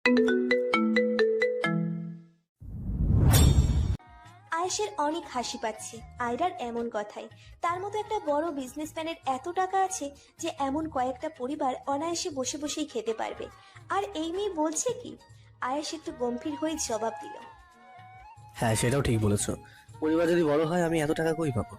আয়েশের অনেক হাসি পাচ্ছে আয়রার এমন কথায়। তার মতো একটা বড় বিজনেসম্যানের এত টাকা আছে যে এমন কয়েকটা পরিবার অনায়াসে বসে বসেই খেতে পারবে। আর এই মেয়ে বলছে কি? আয়েশ একটু গম্ভীর হয়ে জবাব দিল। হ্যাঁ, সেটাও ঠিক বলেছো। পরিবার যদি বড় হয়, আমি এত টাকা কই পাবো?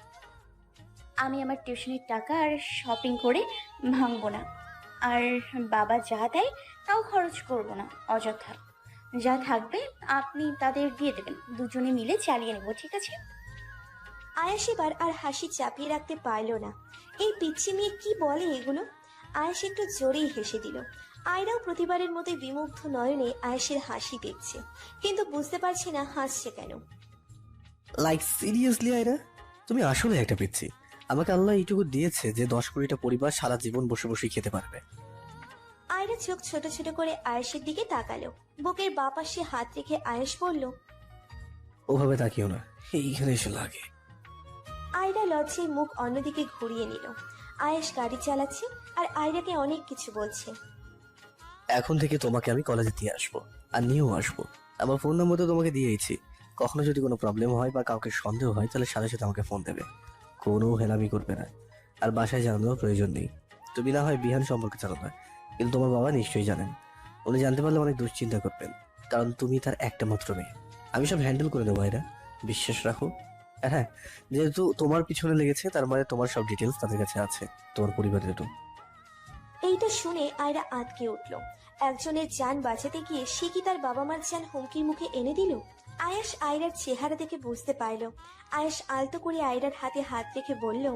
আমি আমার টিউশনির টাকা আর শপিং করে ভাঙবো না। আর বাবা যা দেয় তাও খরচ করব না অযথা। যা থাকবে আপনি তাদের দিয়ে দেবেন, দুজনে মিলে চালিয়ে নেব, ঠিক আছে? আয়েশ এবার আর হাসি চাপিয়ে রাখতে পারল না। এই পিচ্ছি মেয়ে কি বলে এগুলো? আয়েশ একটু জোরেই হেসে দিল। আয়রাও প্রতিবারের মতোই বিমুগ্ধ নয়নে আয়েশের হাসি দেখছে, কিন্তু বুঝতে পারছে না হাসছে কেন। লাইক সিরিয়াসলি আয়রা, তুমি আসলে একটা পিচ্ছি। আমাকে আল্লাহ এইটুকু দিয়েছে যে 10 কোটিটা পরিবার সারা জীবন বসে বসে খেতে পারবে। আয়রা চোখ ছোট ছোট করে আয়েশের দিকে তাকালো। বুকের বাঁ পাশে হাত রেখে আয়েশ বলল, ওভাবে তাকিও না, এইখানে এসে লাগে। আয়রা লজ্জায় মুখ অন্যদিকে ঘুরিয়ে নিল। আয়েশ গাড়ি চালাচ্ছে আর আয়রাকে অনেক কিছু বলছে। এখন থেকে তোমাকে আমি কলেজে দিয়ে আসবো, আর নিয়েও আসবো। আমার ফোন নম্বর তো তোমাকে দিয়েইছি। কখনো যদি কোনো প্রবলেম হয় বা কাউকে সন্দেহ হয়, তাহলে সাথে সাথে আমাকে ফোন দেবে। কোনো হেলামি করবে না। আর বাসায় জানানোর প্রয়োজন নেই। তুমি না হয় বিহান সম্পর্কে জানো না, কিন্তু তোমার বাবা নিশ্চয়ই জানেন। উনি জানতে পারলে অনেক দুশ্চিন্তা করবেন, কারণ তুমি তার একটা মাত্র মেয়ে। আমি সব হ্যান্ডেল করে দেবো এরা, বিশ্বাস রাখো। আর হ্যাঁ, যেহেতু তোমার পিছনে লেগেছে, তার মানে তোমার সব ডিটেলস তাদের কাছে আছে, তোমার পরিবারেরও। এইটা শুনে আয়রা আঁতকে উঠল। একজনের যান বাঁচাতে গিয়ে সে কি তার বাবা মার যান হুমকির মুখে এনে দিল? আয়েশ আয়রার চেহারা দেখে বুঝতে পারল। আয়েশ আলতো করে আয়রার হাতে হাত রেখে বলল,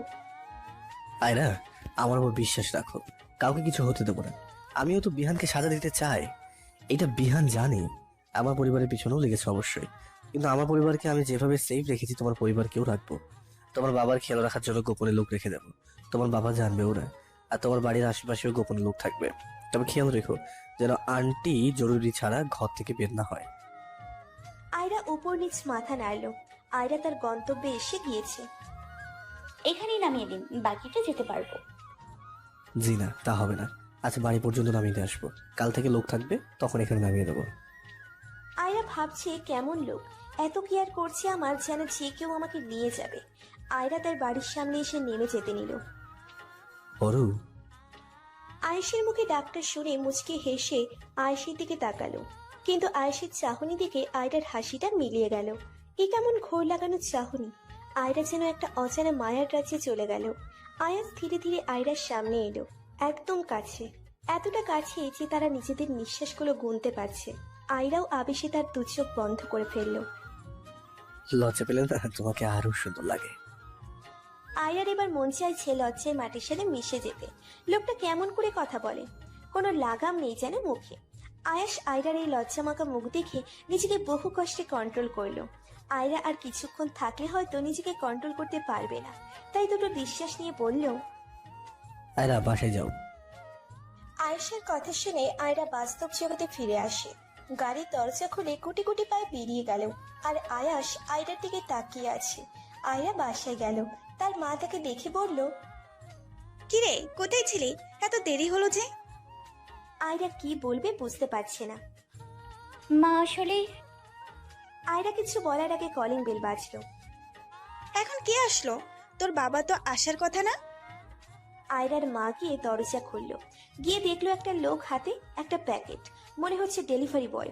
আয়রা, আমার উপর বিশ্বাস রাখো। কাউকে কিছু হতে দেবো না। আমিও তো বিহানকে সাজা দিতে চাই। এটা বিহান জানি। আমার পরিবারের পিছনেও লেগেছে অবশ্যই, কিন্তু আমার পরিবারকে আমি যেভাবে সেফ রেখেছি, তোমার পরিবারকেও রাখবো। তোমার বাবার খেয়াল রাখার জন্য গোপনে লোক রেখে দেবো। তোমার বাবা জানবেও না। আর তোমার বাড়ির আশেপাশেও গোপনে লোক থাকবে। তবে খেয়াল রেখো যেন আন্টি জরুরি ছাড়া ঘর থেকে বের না হয়। আয়রা উপর নিচ মাথা নাড়ল। আয়রা তার গন্তব্যে এসে গিয়েছে। এখানেই নামিয়ে দিন, বাকিটা যেতে পারবো। জি না, তা হবে না। আচ্ছা, বাড়ি পর্যন্ত নামিয়ে দিয়ে আসবো। কাল থেকে লোক থাকবে, তখন এখানে নামিয়ে দেবো। আয়রা ভাবছে কেমন লোক, এত কেয়ার করছে আমার, যেন যে কেউ আমাকে নিয়ে যাবে। আয়রা তার বাড়ির সামনে এসে নেমে যেতে নিল। অরু, আয়েশের মুখে ডাকটা শুনে মুচকে হেসে আয়েশের দিকে তাকালো, কিন্তু আয়েশের চাহনি দিকে আয়রার হাসিটা মিলিয়ে গেল। এ কেমন ঘোর লাগানো চাহনি! আয়রা যেন একটা অজানা মায়ার রাজ্যে চলে গেল। আয়াস ধীরে ধীরে আয়রার সামনে এলো, একদম কাছে, এতটা কাছে যে তারা নিজেদের নিঃশ্বাসগুলো গুনতে পারছে। আয়রাও আবেশে তার দু চোখ বন্ধ করে ফেললো। লজ্জা পেলে না তোমাকে আরো সুন্দর লাগে। আয়রার এবার মন চাইছে লজ্জায় মাটির সাথে মিশে যেতে। লোকটা কেমন করে কথা বলে, কোনো লাগাম নেই যেন মুখে। আয়াস আয়রার এই লজ্জামাখা মুখ দেখে নিজেকে বহু কষ্টে কন্ট্রোল করলো। আয়রা আর কিছুক্ষণ থাকলে হয়তো নিজেকে কন্ট্রোল করতে পারবে না, তাই দুটো নিঃশ্বাস নিয়ে বলল, আয়রা, বাসায় যাও। আয়েশার কথা শুনে আয়রা বাস্তব জগতে ফিরে আসে। গাড়ির দরজা খুলে গুটি গুটি পায়ে বেরিয়ে গেল। আর আয়াস আয়রার দিকে তাকিয়ে আছে। আয়রা বাসায় গেল। তার মা তাকে দেখে বলল, কিরে, কোথায় ছিলি? এত দেরি হলো যে? আয়রা কি বলবে বুঝতে পারছে না। মা আসলে আয়রা কিছু বলার আগে কলিং বেল বাজলো। এখন কে আসলো? তোর বাবা তো আসার কথা না? আয়রার মা গিয়ে দরজা খুললো। গিয়ে দেখলো একটা লোক হাতে একটা প্যাকেট, মনে হচ্ছে ডেলিভারি বয়।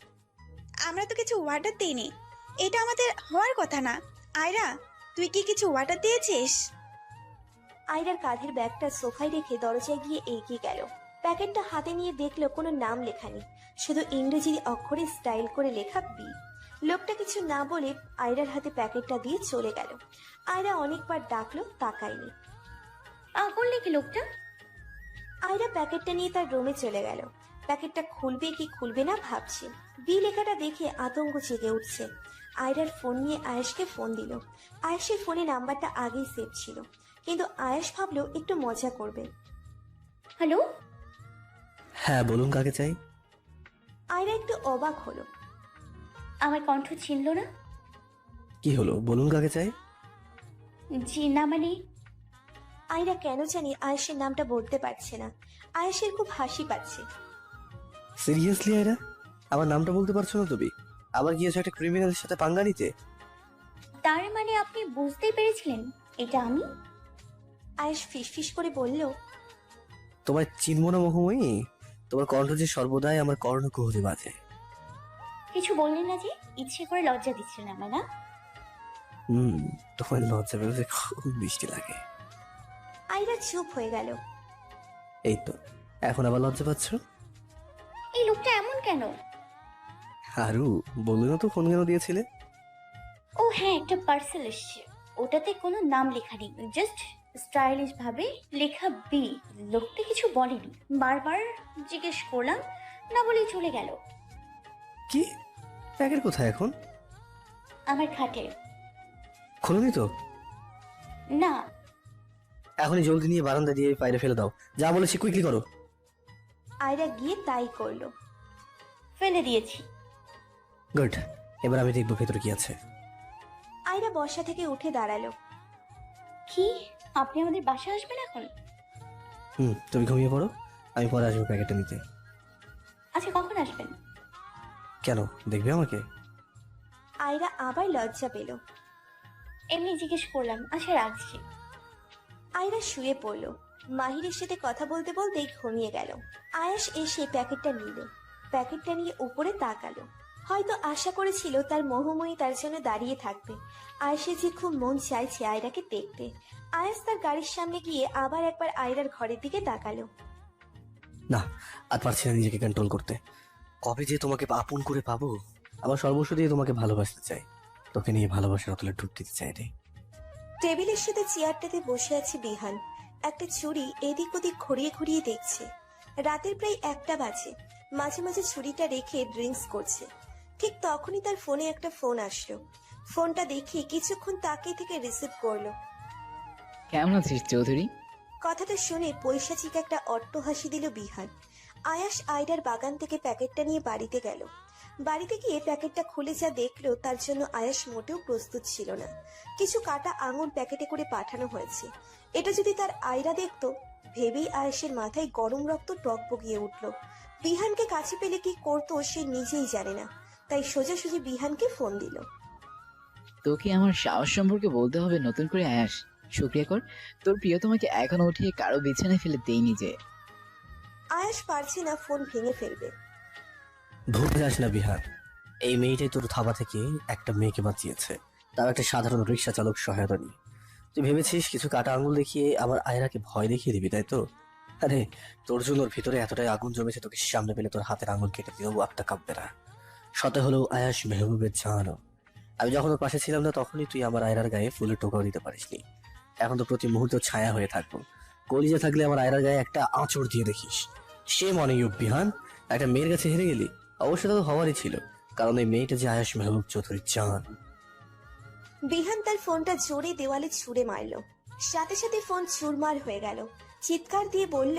আমরা তো কিছু অর্ডার দিইনি, এটা আমাদের হওয়ার কথা না। আয়রা, তুই কি কিছু অর্ডার দিয়েছিস? আয়রার কাঁধের ব্যাগটা সোফায় রেখে দরজায় গিয়ে এগিয়ে গেল। প্যাকেটটা হাতে নিয়ে দেখলো কোনো নাম লেখা নেই, শুধু ইংরেজি অক্ষরে স্টাইল করে লেখা বি। লোকটা কিছু না বলে আয়রার হাতে প্যাকেটটা দিয়ে চলে গেল। আয়রা অনেকবার ডাকলো, তাকায়নি। করলে কি লোকটা? আয়রা প্যাকেটটা নিয়ে তার রুমে চলে গেল। প্যাকেটটা খুলবে কি খুলবে না ভাবছে। বি লেখাটা দেখে আতঙ্ক জেগে উঠছে। আয়রার ফোন নিয়ে আয়েশকে ফোন দিল। আয়েশের ফোনে নাম্বারটা আগেই সেভ ছিল, কিন্তু আয়েশ ভাবলো একটু মজা করবে। হ্যালো? হ্যাঁ, বলুন, কাকে চাই? আয়রা একটু অবাক হলো। আমার কণ্ঠ চিনল না? কি হলো, বলুন, কাকে চাই? জি না, মানে আয়রা কেন জানি আয়েশের নামটা বলতে পারছে না। আয়েশের খুব হাসি পাচ্ছে। সিরিয়াসলি আয়রা, আমার নামটা বলতে পারছো না তুমি? আবার গিয়েছো একটা ক্রিমিনালের সাথে পাঙ্গা নিতে? তার মানে আপনি বুঝতেই পেরেছিলেন এটা আমি? আয়েশ ফিসফিস করে বলল, তোমার চিনব না মহুময়ী? তোমার কণ্ঠ যে সর্বদাই আমার কর্ণকুহরে বাজে। কিছু বললেন না যে? ইচ্ছে করে লজ্জা দিচ্ছেন আমায় না? তোমার লজ্জা পেলে খুব মিষ্টি লাগে। আয়রা চুপ হয়ে গেল। এই তো, এখন আবার লজ্জা পাচ্ছ? এই লোকটা এমন কেন? আরু, বললে না তো ফোন কেন দিয়েছিলে? ও হ্যাঁ, একটা পার্সেল এসছে। ওটাতে কোনো নাম লেখা নেই, জাস্ট স্টাইলিশ ভাবে লেখা বি। লোকটা কিছু বলেনি, বারবার জিজ্ঞেস করলাম, না বলেই চলে গেল। কি? প্যাকেট কোথায় এখন? আমার খাটে। খুলুনি তো? না। এখনই জলদি নিয়ে বারান্দা দিয়ে বাইরে ফেলে দাও। যা বলেছি কুইকলি করো। আয়রা গিয়ে তাই করলো। ফেলে দিয়েছি। গুড, এবার আমি দেখবো ভেতরে কি আছে। আয়রা বসা থেকে উঠে দাঁড়ালো। কি, আপনি আমাদের বাসায় আসবেন এখন? তুমি ঘুমিয়ে পড়ো, আমি পরে আসবো প্যাকেটটা নিতে। আচ্ছা, কখন আসবেন? কেন, দেখবে আমাকে? আয়রা আবার লজ্জা পেল। এমনি জিজ্ঞেস করলাম। আচ্ছা, রাখছি। আয়রা শুয়ে পড়ল। মাহিরের সাথে কথা বলতে বলতেই ঘুমিয়ে গেল। আয়াস এসে প্যাকেটটা নিল। প্যাকেটটা নিয়ে উপরে তাকালো। হয়তো আশা করেছিল তার মোহময়ী তার জন্য দাঁড়িয়ে থাকবে। আয়েশের যে খুব মন চাইছে আয়রাকে দেখতে। আয়াস তার গাড়ির সামনে গিয়ে আবার একবার আয়রার ঘরের দিকে তাকালো। না, আর পারছি না নিজেকে কন্ট্রোল করতে। কবে যে তোমাকে আপন করে পাবো। আমার সর্বস্ব দিয়ে তোমাকে ভালোবাসতে চাই, তোকে নিয়ে ভালোবাসার অতলে ডুব দিতে চাই রে। টেবিলের সাথে চেয়ারটাতে বসে আছে বিহান। একটা ছুরি এদিক ওদিক ঘুরিয়ে ঘুরিয়ে দেখছে। রাতের প্রায় 1টা বাজে। মাঝে মাঝে ছুরিটা রেখে ড্রিঙ্কস করছে। ঠিক তখনই তার ফোনে একটা ফোন আসলো। ফোনটা দেখে কিছুক্ষণ তাকিয়ে থেকে রিসিভ করলো। কেমন আছিস চৌধুরী? কথাটা শুনে পৈশাচিক একটা অট্ট হাসি দিল বিহান। আয়াস আয়রার বাগান থেকে প্যাকেটটা নিয়ে বাড়িতে গেল। বাড়িতে গিয়ে প্যাকেটটা খুলে যা দেখলো তার জন্য আয়াস মোটেও প্রস্তুত ছিল না। কিছু কাটা আঙুর প্যাকেটে করে পাঠানো হয়েছে। এটা যদি তার আয়রা দেখতো, ভেবেই আয়াসের মাথায় গরম রক্ত টকবগিয়ে উঠল। বিহানকে কাছে পেলে কি করতো সে নিজেই জানে না, তাই সোজাসুজি বিহানকে ফোন দিল। তোকে আমার সাহস সম্পর্কে বলতে হবে নতুন করে আয়াস। শুক্রিয়া কর, তোর প্রিয় তোমাকে এখনো উঠিয়ে কারো বিছানায় ফেলে দেইনি যে। আয়াস পারছে না ফোন ভেঙে ফেলবে। ভুলে যাস না বিহার, এই মেয়েটাই তোর থাবা থেকে একটা মেয়েকে বাঁচিয়েছে, তার একটা সাধারণ রিক্সা চালক সহায়তা নিয়ে। তুই ভেবেছিস কিছু কাটা আঙুল দেখিয়ে আমার আয়রাকে ভয় দেখিয়ে দিবি, তাই তো? আরে, তোর জন্য ওর ভিতরে এতটাই আগুন জমেছে, তোকে সামনে পেলে তোর হাতের আঙুল কেটে দিও, একটা কাঁপবে না। শত হলেও আয়াস মেহবুবের জানো। আমি যখন ওর পাশে ছিলাম না তখনই তুই আমার আয়রার গায়ে ফুলের টোকাও দিতে পারিসনি। এখন তো প্রতি মুহূর্ত ছায়া হয়ে থাকবো। কলিজা থাকলে আমার আয়রার গায়ে একটা আঁচড় দিয়ে দেখিস। সে মনে বিহান, একটা মেয়ের কাছে হেরে গেলি। অবশ্য তা তো হওয়ারই ছিল, কারণ এই মেয়েটা যে আয়াস মেহবুব চৌধুরীর জান। বিহান তার ফোনটা জোরে দেওয়ালে ছুঁড়ে মারল। সাথে সাথে ফোন চুরমার হয়ে গেল। চিৎকার দিয়ে বলল,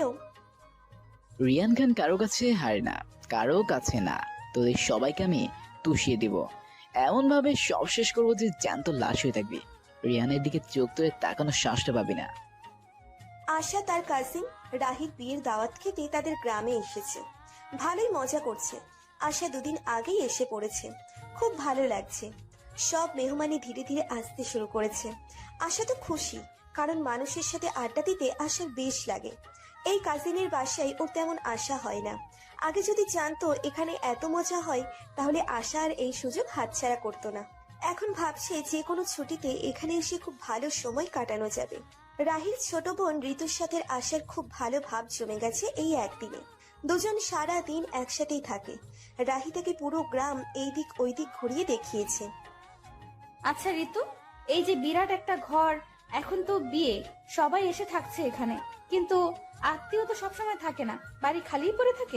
রিয়ান খান কারো কাছে হারে না, কারো কাছে না। তোদের সবাইকে আমি তুষিয়ে দিব, এমন ভাবে সব শেষ করবো যে জ্যান্ত লাশ হয়ে থাকবি। রিয়ানের দিকে চোখ তুলে তাকানোর সাহসটা পাবি না। আশা তার কাজিন রাহির বিয়ের দাওয়াত খেতে তাদের গ্রামে এসেছে। ভালোই মজা করছে। আশা দুদিন আগেই এসে পড়েছে। খুব ভালো লাগছে। সব মেহমানি ধীরে ধীরে আসতে শুরু করেছে। আশা তো খুশি, কারণ মানুষের সাথে আড্ডা দিতে আশার বেশ লাগে। এই কাজিনের বাসায় ওর তেমন আশা হয় না। আগে যদি জানতো এখানে এত মজা হয়, তাহলে আশা আর এই সুযোগ হাতছাড়া করতো না। এখন ভাবছে যে কোনো ছুটিতে এখানে এসে খুব ভালো সময় কাটানো যাবে। রাহির ছোট বোন ঋতুর সাথে আশার খুব ভালো ভাব জমে গেছে এই একদিনে। দুজন সারা দিন একসাথেই থাকে। রাহি তাকে পুরো গ্রাম এই দিক ওই দিক ঘুরিয়ে দেখিয়েছে। আচ্ছা ঋতু, এই যে বিরাট একটা ঘর, এখন তো বিয়ে, সবাই এসে থাকছে এখানে, কিন্তু আত্মীয় তো সবসময় থাকে না, বাড়ি খালিই পড়ে থাকে।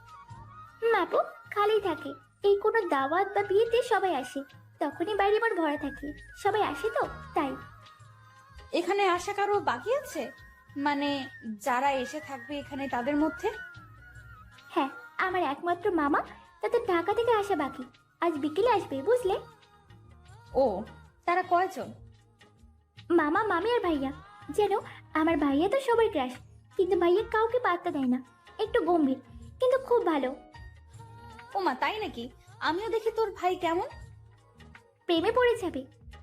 আপু, খালি থাকে। এই কোনো দাওয়াত বা বিয়েতে সবাই আসে, তখনই বাড়ি আমার ভরা থাকে। সবাই আসে তো তাই। এখানে আসা কারো বাকি আছে? মানে যারা এসে থাকবে এখানে তাদের মধ্যে? হ্যাঁ, আমার একমাত্র মামা, তাদের ঢাকা থেকে আসা বাকি। আজ বিকেলে আসবে, বুঝলে? ও, তারা কয়জন? মামা, মামি আর ভাইয়া। যেন আমার ভাইয়া তো সবার ক্রাশ, কিন্তু ভাইয়া কাউকে পাত্তা দেয় না। একটু গম্ভীর, কিন্তু খুব ভালো। ওমা তাই নাকি? আমিও দেখি তোর ভাই কেমন। প্রেমে পড়ে যাবে।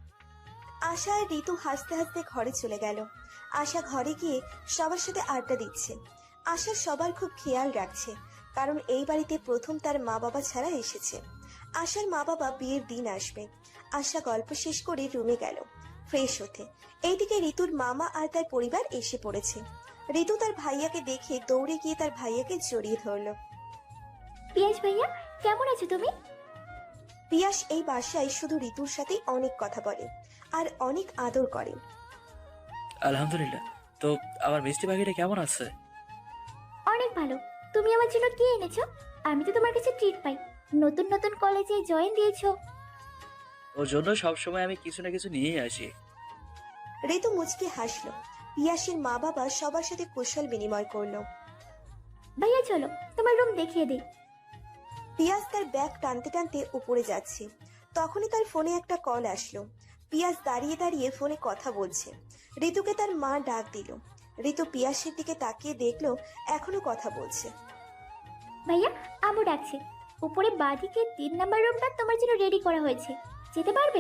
আশা আর ঋতু হাসতে হাসতে ঘরে চলে গেল। আশা ঘরে গিয়ে সবার সাথে আড্ডা দিচ্ছে। আশা সবার খুব খেয়াল রাখছে, কারণ এই বাড়িতে প্রথম তার মা বাবা ছাড়া এসেছে। আশার মা বাবা বিয়ের দিন আসবে। আশা গল্প শেষ করে রুমে গেল ফ্রেশ হতে। এইদিকে ঋতুর মামা আর তার পরিবার এসে পড়েছে। ঋতু তার ভাইয়াকে দেখে দৌড়ে গিয়ে তার ভাইয়াকে জড়িয়ে ধরলো। পিয়াস ভাইয়া, কেমন আছো তুমি? পিয়াস এই বাসায় শুধু ঋতুর সাথেই অনেক কথা বলে আর অনেক আদর করে। আলহামদুলিল্লাহ। তো আমার মিষ্টি পাখিটা কেমন আছে? অনেক ভালো। তুমি আমার জন্য কি এনেছো? আমি তো তোমার কাছে ট্রিট পাই। নতুন নতুন কলেজে জয়েন দিয়েছো। ওর জন্য সবসময় আমি কিছু না কিছু নিয়েই আসি। ঋতু মুচকি হাসলো। পিয়াসের মা বাবা সবার সাথে কুশল বিনিময় করলো। ভাইয়া চলো তোমার রুম দেখিয়ে দিই। পিয়াস তার ব্যাগ টানতে টানতে উপরে যাচ্ছে, তখনই তার ফোনে একটা কল আসলো। পিয়াস দাঁড়িয়ে দাঁড়িয়ে ফোনে কথা বলছে। ঋতুকে তার মা ডাক দিল। ঋতু পিয়াসের দিকে তাকিয়ে দেখলো এখনো কথা বলছে। ভাইয়া, আম্মু ডাকছে। উপরে বাঁদিকে 3 নাম্বার রুমটা তোমার জন্য রেডি করা হয়েছে, যেতে পারবে?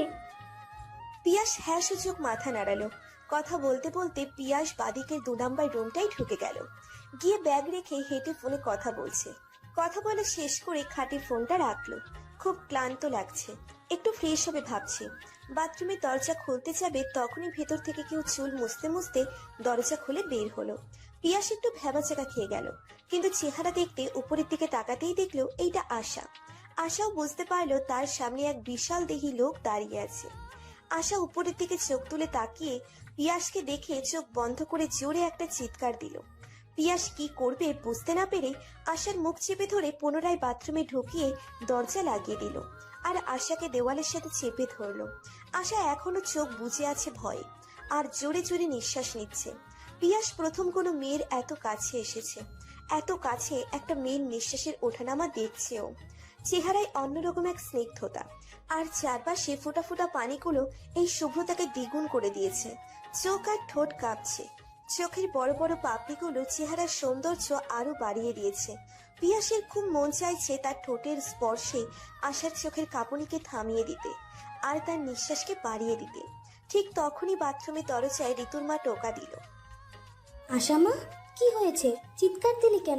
পিয়াস হ্যাঁ সূচক মাথা নাড়ালো। কথা বলতে বলতে পিয়াস বাদিকের 2 নাম্বার রুমটাই ঢুকে গেল। গিয়ে ব্যাগ রেখে হেঁটে ফোনে কথা বলছে। কথা বলে শেষ করে খাটে ফোনটা রাখলো। খুব ক্লান্ত লাগছে, একটু ফ্রেশ হবে ভাবছে। বাথরুমের দরজা খুলতে যাবে, তখনই ভেতর থেকে কেউ চুল মুছতে মুছতে দরজা খুলে বের হলো। পিয়াস একটু ভ্যাবাচাকা খেয়ে গেল, কিন্তু চেহারা দেখতে উপরের দিকে তাকাতেই দেখলো এইটা আশা। আশাও বুঝতে পারলো তার সামনে এক বিশাল দেহী লোক দাঁড়িয়ে আছে। আশা উপরের দিকে চোখ তুলে তাকিয়ে পিয়াসকে দেখে চোখ বন্ধ করে জোরে একটা চিৎকার দিল। পিয়াস কি করবে বুঝতে না পেরে আশার মুখ চেপে ধরে পুনরায় বাথরুমে ঢুকিয়ে দরজা লাগিয়ে দিল আর আশাকে দেওয়ালের সাথে চেপে ধরলো। আশা এখনো চোখ বুজে আছে ভয়ে আর জোরে জোরে নিঃশ্বাস নিচ্ছে। পিয়াস প্রথম কোনো মেয়ের এত কাছে এসেছে, এত কাছে একটা মেয়ের নিঃশ্বাসের ওঠানামা দেখছেও। চেহারায় অন্যরকম এক স্নিগ্ধতা, আর চারপাশে ফোটা ফোটা পানিগুলো এই শুভ্রতাকে দ্বিগুণ করে দিয়েছে। চোখ আর ঠোঁট কাঁপছে, চোখের বড় বড় পাপড়িগুলো চেহারার সৌন্দর্য আরো বাড়িয়ে দিয়েছে। পিয়াসের খুব মন চাইছে তার ঠোঁটের স্পর্শে আশার চোখের কাঁপুনিকে থামিয়ে দিতে আর তার নিঃশ্বাসকে বাড়িয়ে দিতে। ঠিক তখনই বাথরুমে দরজায় ঋতুর মা টোকা দিল। আশা মা, কি হয়েছে? চিৎকার দিলি কেন?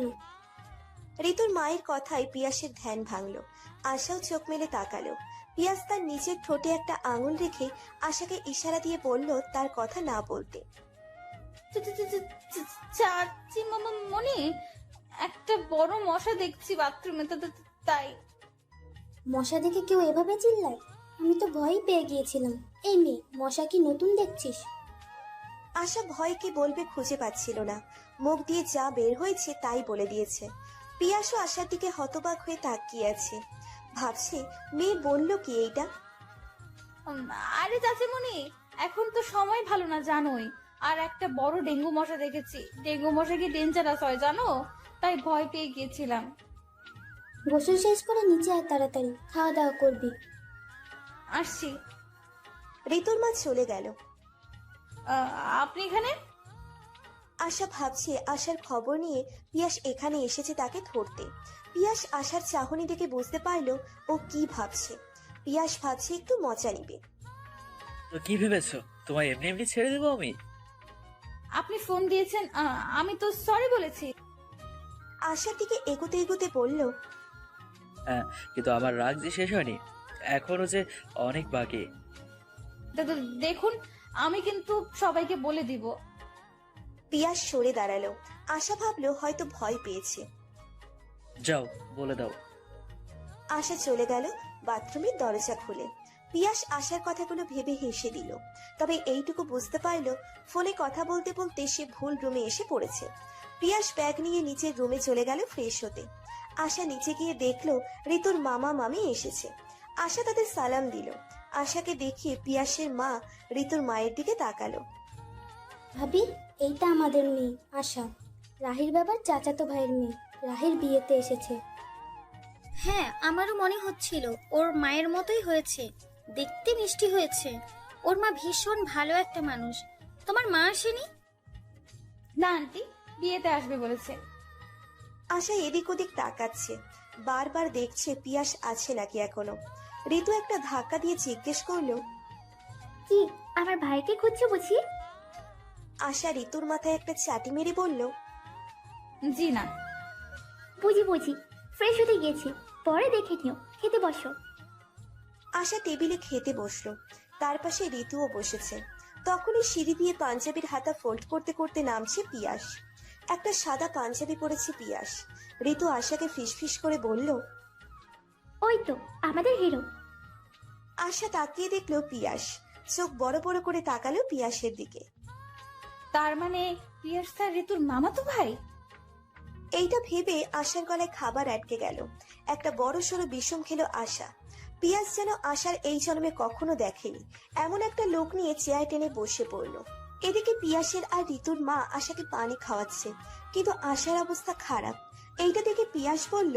ঋতুর মায়ের কথায় পিয়াসের ধ্যান ভাঙলো। আশাও চোখ মেলে তাকালো। পিয়াস তার নিজের ঠোঁটে একটা আঙুল রেখে আশাকে ইশারা দিয়ে বলল তার কথা না বলতে। চাচি মনি, একটা বড় মশা দেখছি বাথরুমে, তাই। মশা দেখে কেউ এভাবে চিল্লায়? আমি তো ভয় পেয়ে গিয়েছিলাম। এই মেয়ে, মশা কি নতুন দেখছিস? আশা ভয় কি বলবে খুঁজে পাচ্ছিল না, মুখ দিয়ে যা বের হয়েছে তাই বলে দিয়েছে। পিয়াসও আশার দিকে হতবাক হয়ে তাকিয়ে আছে, ভাবছে মেয়ে বলল কি এইটা। আরে চাচিমণি, এখন তো সময় ভালো না জানোই। আর একটা বড় ডেঙ্গু মশা দেখেছি। ডেঙ্গু মশা কি ডেঞ্জারাস হয় জানো? তাই ভয় পেয়ে গিয়েছিলাম। গোসল শেষ করে নিচে আয় তাড়াতাড়ি, খাওয়া দাওয়া করবি। আসছি। ঋতুর মা চলে গেল। আপনি এখানে? আশা ভাবছে আশার খবর নিয়ে পিয়াস এখানে এসেছে তাকে ধরতে। পিয়াস আশার চাহনি দেখে বুঝতে পারলো ও কি ভাবছে। পিয়াস ভাবছে একটু মজা নিবে। তো কি ভেবেছো, তোমায় এমনি এমনি ছেড়ে দেবো আমি? আপনি ফোন দিয়েছেন, আমি তো সরি বলেছি। আশার দিকে এগোতে এগোতে বলল, হ্যাঁ, কিন্তু আমার রাগ যে শেষ হয়নি, এখনো যে অনেক বাকি। দেখুন, আমি কিন্তু সবাইকে বলে দিব। পিয়াস সরে দাঁড়ালো। আশা ভাবলো হয়তো ভয় পেয়েছে। যাও, বলে দাও। আশা চলে গেল বাথরুমের দরজা খুলে। পিয়াস আশার কথাগুলো ভেবে হেসে দিল, তবে এইটুকু বুঝতে পারলো ফোনে কথা বলতে বলতে সে ভুল রুমে এসে পড়েছে। পিয়াস ব্যাগ নিয়ে নিচের রুমে চলে গেল ফ্রেশ হতে। আশা নিচে গিয়ে দেখলো ঋতুর মামা মামি এসেছে। আশা তাদের সালাম দিল। আশাকে দেখিয়ে পিয়াসের মা ঋতুর মায়ের দিকে তাকালো। ভাবি, এইটা আমাদের মেয়ে আশা, রাহির বাবার চাচাতো ভাইয়ের মেয়ে। রাহির বিয়েতে এসেছে। হ্যাঁ, আমারও মনে হচ্ছিল ওর মায়ের মতোই হয়েছে, দেখতে মিষ্টি হয়েছে। ওর মা ভীষণ ভালো একটা মানুষ। তোমার মা আসেনি? না আন্টি, বিয়েতে আসবে বলেছে। আশা এদিক ওদিক তাকাচ্ছে। বারবার দেখছে পিয়াস আছে নাকি এখনো। ঋতু একটা ধাক্কা দিয়ে জিজ্ঞেস করলো, কি আমার ভাইকে খুঁজছো বুঝি? আশা ঋতুর মাথায় একটা চাটি মেরে বলল, জি না। বুঝি বুঝি, ফ্রেশ হতে গিয়েছি, পরে দেখে নিও, খেতে বসো। আশা টেবিলে খেতে বসলো। তার পাশে ঋতুও বসেছে। তখনই সিঁড়ি দিয়ে পাঞ্জাবির হাতা ফোল্ড করতে করতে নামছে পিয়াস। একটা সাদা পাঞ্জাবি পরেছে পিয়াস। ঋতু আশাকে ফিসফিস করে বলল, ওই তো আমাদের হিরো। আশা তাকিয়ে দেখলো পিয়াস। চোখ বড় বড় করে তাকালো পিয়াসের দিকে। তার মানে পিয়াস স্যার ঋতুর মামাতো ভাই? এইটা ভেবে আশার গলায় খাবার আটকে গেল। একটা বড় সড়ো বিষম খেলো আশা। পিয়াস যেন আশার এই জন্মে কখনো দেখেনি এমন একটা লোক নিয়ে চেয়ার টেনে বসে পড়লো। এদিকে পিয়াসের আর ঋতুর মা আশাকে পানি খাওয়াচ্ছে, কিন্তু আশার অবস্থা খারাপ। এইটা দেখে পিয়াস বলল,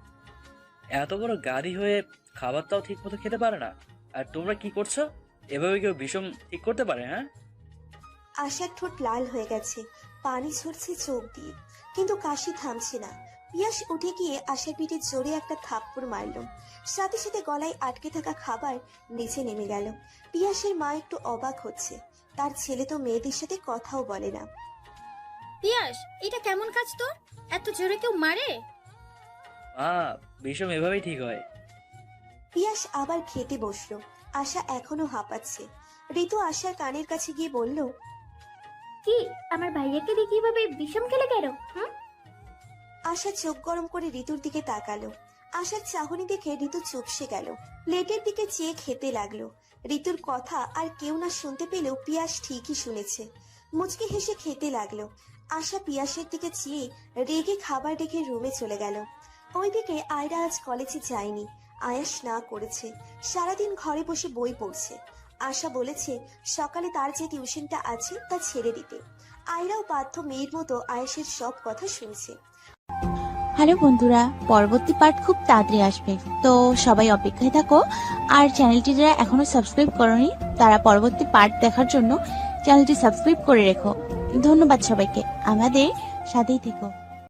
এত বড় গাড়ি হয়ে খাবারটাও ঠিক মতো খেতে পারে না, আর তোমরা কি করছো? এভাবে কেউ বিষম ঠিক করতে পারে? হ্যাঁ, আশার ঠোঁট লাল হয়ে গেছে, পানি ঝরছে চোখ দিয়ে, কিন্তু কাশি থামছে না। পিয়াস উঠে গিয়ে আশার পিঠে জোরে একটা থাপ্পড় মারল। সাথে সাথে গলায় আটকে থাকা খাবার নিচে নেমে গেল। পিয়াসের মা একটু অবাক হচ্ছে, তার ছেলে তো মেয়েদের সাথে কথাও বলে না। পিয়াস, এটা কেমন কাজ তোর? এত জোরে কেউ মারে? মা, বিষম এভাবেই ঠিক হয়। পিয়াস আবার খেতে বসলো। আশা এখনো হাঁপাচ্ছে। ঋতু আশার কানের কাছে গিয়ে বলল, কি আমার ভাইয়াকে দিয়ে কিভাবে বিষম খেলে গেল? হুম, আশা চোখ গরম করে ঋতুর দিকে তাকালো। আশার চাহনি দেখে ঋতু চুপসে গেল। প্লেটের দিকে চেয়ে খেতে লাগলো। ঋতুর কথা আর কেউ না শুনতে পেলেও পিয়াস ঠিকই শুনেছে। মুচকি হেসে খেতে লাগলো। আশা পিয়াসের দিকে চেয়ে রেগে খাবার রেখে রুমে চলে গেল। ওইদিকে আয়রা আজ কলেজে যায়নি। আয়াস না করেছে, সারাদিন ঘরে বসে বই পড়ছে। আশা বলেছে সকালে তার যে টিউশনটা আছে তা ছেড়ে দিতে। আয়রাও বাধ্য মেয়ের মতো আয়াসের সব কথা শুনছে। হ্যালো বন্ধুরা, পরবর্তী পার্ট খুব তাড়াতাড়ি আসবে, তো সবাই অপেক্ষায় থাকো। আর চ্যানেলটি যারা এখনো সাবস্ক্রাইব করোনি তারা পরবর্তী পার্ট দেখার জন্য চ্যানেলটি সাবস্ক্রাইব করে রেখো। ধন্যবাদ সবাইকে, আমাদের সাথেই থেকো।